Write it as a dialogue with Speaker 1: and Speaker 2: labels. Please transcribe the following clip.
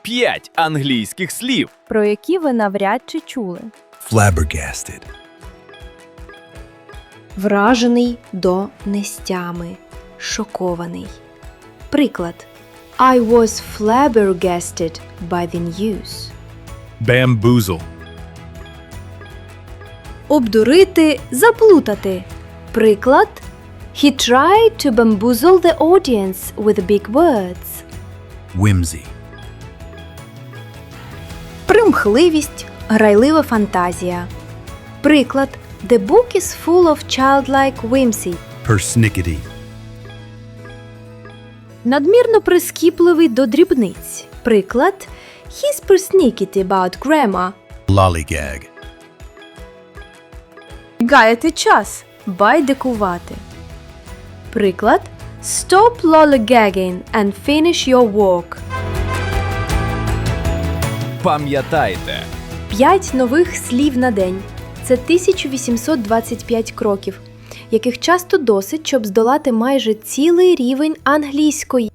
Speaker 1: 5 англійських слів.
Speaker 2: про які ви навряд чи чули.
Speaker 3: Flabbergasted.
Speaker 4: Вражений до нестями, шокований. Приклад. I was flabbergasted by the news.
Speaker 3: Bamboozle.
Speaker 4: Обдурити, заплутати. Приклад. He tried to bamboozle the audience with big words.
Speaker 3: Whimsy.
Speaker 4: Примхливість, грайлива фантазія. Приклад. The book is full of childlike whimsy.
Speaker 3: Persnickety.
Speaker 4: Надмірно прискіпливий до дрібниць. Приклад. He's persnickety about grammar.
Speaker 3: Lollygag.
Speaker 4: Гаяти час. Байдикувати. Приклад. Stop lollygagging and finish your work.
Speaker 1: Пам'ятайте,
Speaker 4: 5 нових слів на день. Це 1825 кроків, яких часто досить, щоб здолати майже цілий рівень англійської.